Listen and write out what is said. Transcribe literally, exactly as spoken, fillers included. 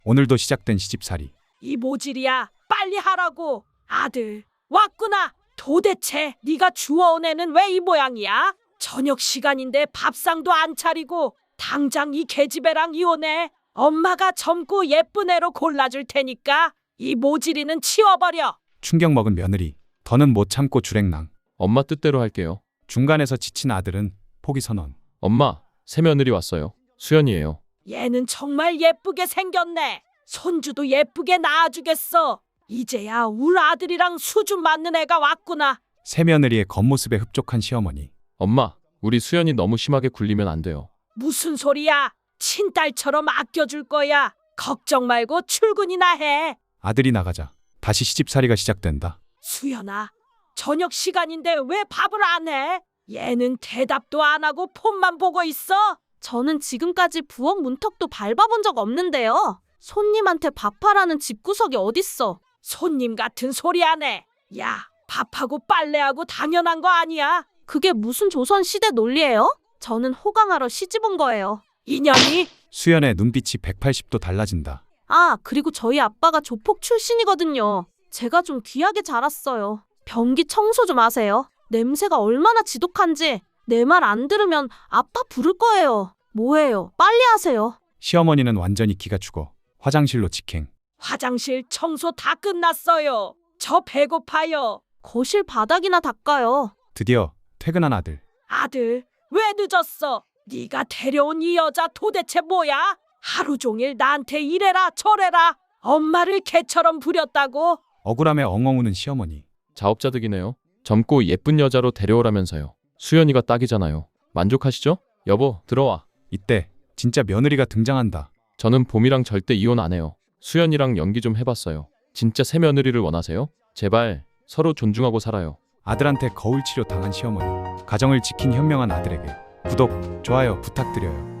오늘도 시작된 시집살이. 이 모질이야. 빨리 하라고. 아들 왔구나. 도대체 네가 주워온 애는 왜 이 모양이야? 저녁 시간인데 밥상도 안 차리고 당장 이 계집애랑 이혼해. 엄마가 젊고 예쁜 애로 골라줄 테니까 이 모질이는 치워버려. 충격 먹은 며느리. 더는 못 참고 주랭랑. 엄마 뜻대로 할게요. 중간에서 지친 아들은 포기 선언. 엄마, 새며느리 왔어요. 수연이에요. 얘는 정말 예쁘게 생겼네. 손주도 예쁘게 낳아주겠어. 이제야 울 아들이랑 수준 맞는 애가 왔구나. 새며느리의 겉모습에 흡족한 시어머니. 엄마, 우리 수연이 너무 심하게 굴리면 안 돼요. 무슨 소리야? 친딸처럼 아껴줄 거야. 걱정 말고 출근이나 해. 아들이 나가자 다시 시집살이가 시작된다. 수연아, 저녁 시간인데 왜 밥을 안 해? 얘는 대답도 안 하고 폰만 보고 있어. 저는 지금까지 부엌 문턱도 밟아본 적 없는데요. 손님한테 밥하라는 집구석이 어딨어. 손님 같은 소리 안 해. 야, 밥하고 빨래하고 당연한 거 아니야? 그게 무슨 조선시대 논리예요? 저는 호강하러 시집 온 거예요. 인연이? 수연의 눈빛이 백팔십 도 달라진다. 아, 그리고 저희 아빠가 조폭 출신이거든요. 제가 좀 귀하게 자랐어요. 변기 청소 좀 하세요. 냄새가 얼마나 지독한지. 내 말 안 들으면 아빠 부를 거예요. 뭐예요? 빨리 하세요. 시어머니는 완전히 기가 죽어 화장실로 직행. 화장실 청소 다 끝났어요. 저 배고파요. 거실 바닥이나 닦아요. 드디어 퇴근한 아들. 아들, 왜 늦었어? 네가 데려온 이 여자 도대체 뭐야? 하루 종일 나한테 이래라 저래라. 엄마를 개처럼 부렸다고? 억울함에 엉엉 우는 시어머니. 자업자득이네요. 젊고 예쁜 여자로 데려오라면서요. 수연이가 딱이잖아요. 만족하시죠? 여보, 들어와. 이때 진짜 며느리가 등장한다. 저는 봄이랑 절대 이혼 안 해요. 수연이랑 연기 좀 해봤어요. 진짜 새며느리를 원하세요? 제발 서로 존중하고 살아요. 아들한테 거울 치료 당한 시어머니. 가정을 지킨 현명한 아들에게 구독, 좋아요 부탁드려요.